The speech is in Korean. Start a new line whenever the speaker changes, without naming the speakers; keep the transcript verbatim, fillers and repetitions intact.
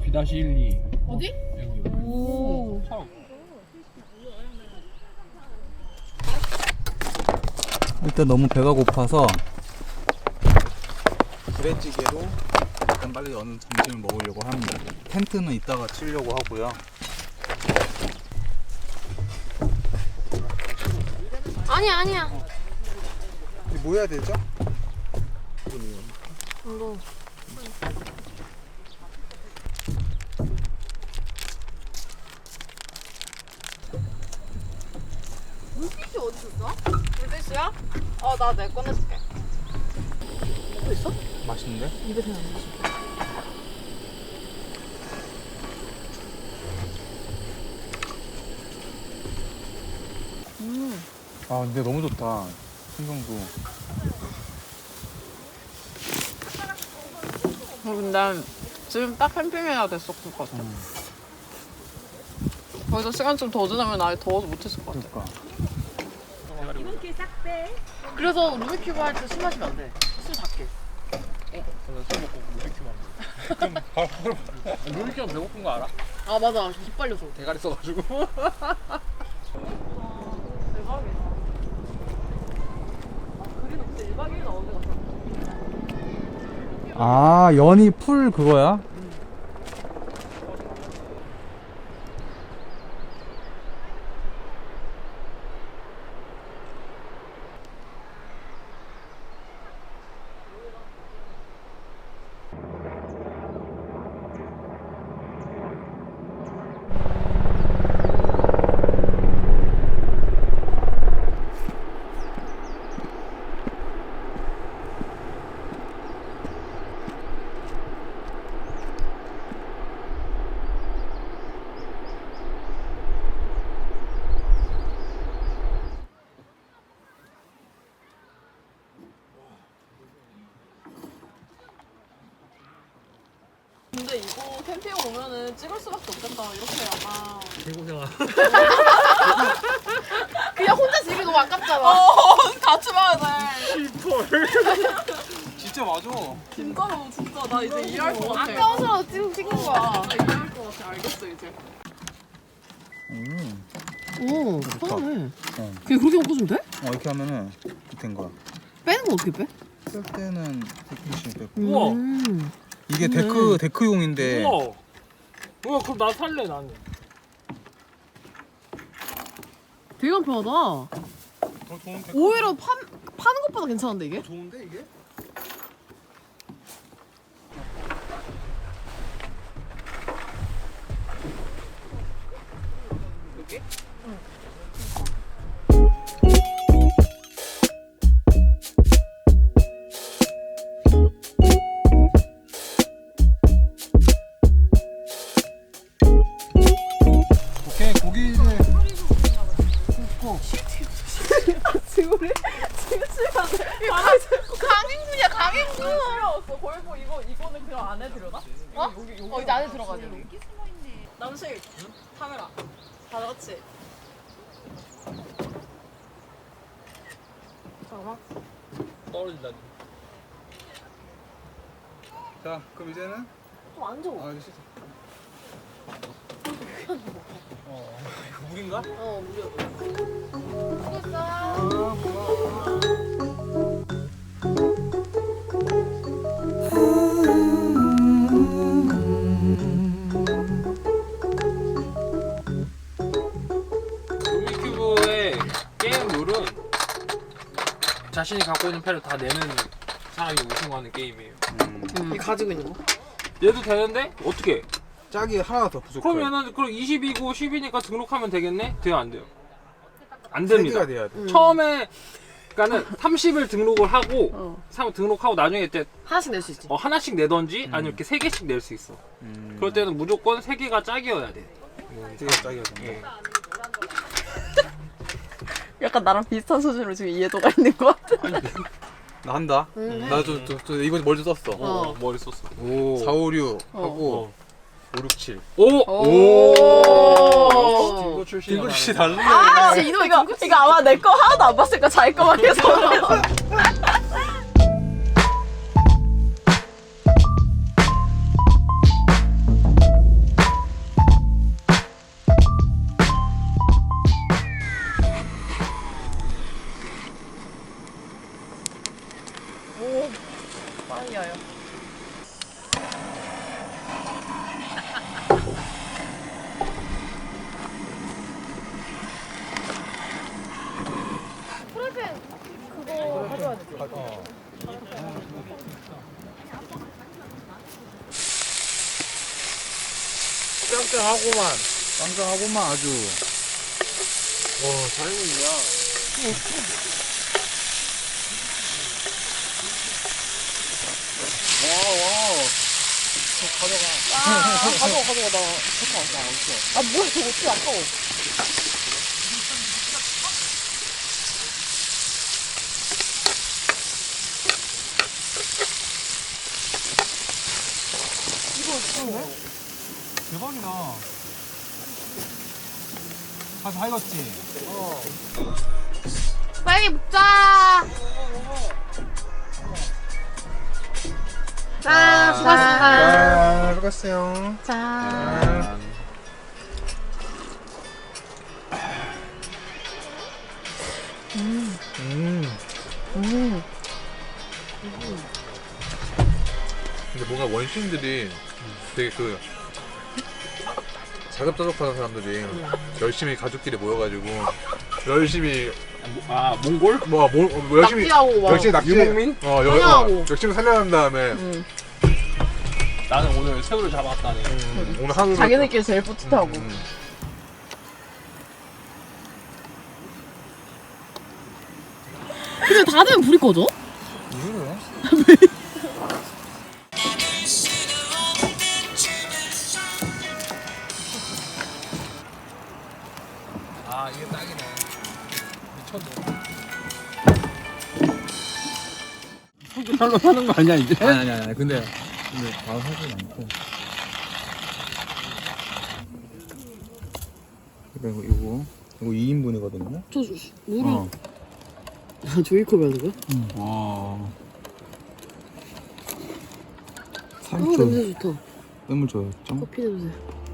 비 일 이.
어디?
여기.
오.
차.
일단 너무 배가 고파서 부대찌개로 일단 빨리 어느 점심을 먹으려고 합니다. 텐트는 이따가 치려고 하고요.
아니야 아니야.
이게 뭐 해야 되죠?
이거. 물티슈 어디 있어? 물티슈야? 어, 나 내 꺼내줄게. 또 있어?
맛있는데?
입에서 나는 거. 음.
아 근데 너무 좋다. 풍경도.
근데 지금 딱 캠핑해야 됐었을 것 같아.
음.
거기서 시간 좀 더 지나면 아예 더워서 못했을 것 같아.
그러니까.
그래서 루비큐브 할 때 술 마시면 안 돼. 술 작게.
술 먹고 루비큐브 하면 돼. 루비큐브 배고픈 거 알아?
아 맞아. 기빨려서.
대가리 써가지고.
아 연이 풀 그거야?
근데 이거 캠핑 오면은 찍을 수밖에 없겠다. 이렇게 아마.
개고생아.
그냥 혼자 집이 너무 아깝잖아.
어, 같이 봐야 돼.
진짜 맞아.
진짜로 진짜 나 이제 이해할 것 같아.
아까워서 찍, 찍는 거야.
나 이해할 것 같아. 알겠어 이제.
음.
오,
좋다.
편하네.
어.
그냥 그렇게 먹고 주면 돼?
어 이렇게 하면은 된 거야.
빼는 건 어떻게 빼?
쓸 때는 대충씩 빼고.
우와.
음.
이게
음.
데크 데크용인데.
우와. 우와 그럼 나 살래 나는.
되게 간편하다.
더 좋은 데크.
오히려 판, 파는 것보다 괜찮은데 이게?
좋은데 이게? 오케이 고기 이제 굽고.
지금 지금 시간에 강행군이야 강행군.
필요없어. 거의 뭐 이거 이거는 그냥 안에 들어가?
어?
여기 여기.
어 이제 안에 들어가야 돼.
남식 카메라. 다 같이. 잠깐만.
떨어진다.
자 그럼 이제는
좀 앉아.
아 이제 씻어.
어. 이거 물인가?
어 무려. 수고했어.
아 고마워.
루비큐브의 게임 룰은 자신이 갖고 있는 패를 다 내는 사람이 우승하는 게임이에요.
음.
이 가지고 있는 거?
얘도 되는데 어떻게?
짝이 하나 더 부족해.
그럼 얘는 그럼 이십이고 십이니까 등록하면 되겠네? 돼요 안 돼요? 안
세
됩니다.
개가 돼야 돼.
음.
처음에 그러니까는 삼십을 등록을 하고
어.
삼 등록하고 나중에 이제
하나씩 낼 수 있지.
어, 하나씩 내던지
음.
아니면 이렇게 세 개씩 낼 수 있어.
음.
그럴 때는 무조건 세 개가 짝이어야 돼.
세 개가 짝이야.
예.
약간 나랑 비슷한 수준으로 지금 이해도가 있는 것 같아.
나 한다.
음.
나도 저, 저 이거 멀리 썼어.
어, 머리 썼어.
오. 사, 오, 육
어.
하고 오, 육, 칠.
오!
오.
딩고 출신.
딩글 씨 달라.
아, 이거 이거 이거 아마 내 거 하나도 안 봤으니까 자기 거만 계속. 오, 파이어요.
프라이팬 그거 가져와야 돼.
어.
짱짱하고만.
짱짱하고만 아주.
와, 다행이야.
와, 와.
아, 가져와, 가져와. 나 잠깐 왔어, 안 왔어. 아, 뭐야, 저거 어떻게 아까워.
대박이다. 가서 다 익었지?
빨리 먹자. 자, 수고하셨습니다.
아, 수고했어요.
자.
음.
음.
근데 뭔가 원시인들이 되게 그 자급자족하는 사람들이 열심히 가족끼리 모여가지고 열심히
아, 몽골?
뭐, 뭐, 뭐 열심히
낚시하고 막.
열심히 낚시
유목민?
어, 여, 어
사냥하고.
열심히 살려낸 다음에
응.
나는 오늘 새우를 잡았다네.
음, 오늘 하루
자기네끼리 제일 뿌듯하고.
음,
근데 다 되면 불이 꺼져?
이거를?
아, 이게 딱이네. 미쳤네.
성격별로 사는 거 아니야 이제? 아니 아니 아니 근데 근데 다 사진 않고 그리고 이거 이거 이 인분이거든요?
저, 물을.
어.
아, 조이컵이 하는 거야?
응. 와
아,
삼촌
냄새 좋다.
뇌물 줘였죠?
커피 냄새.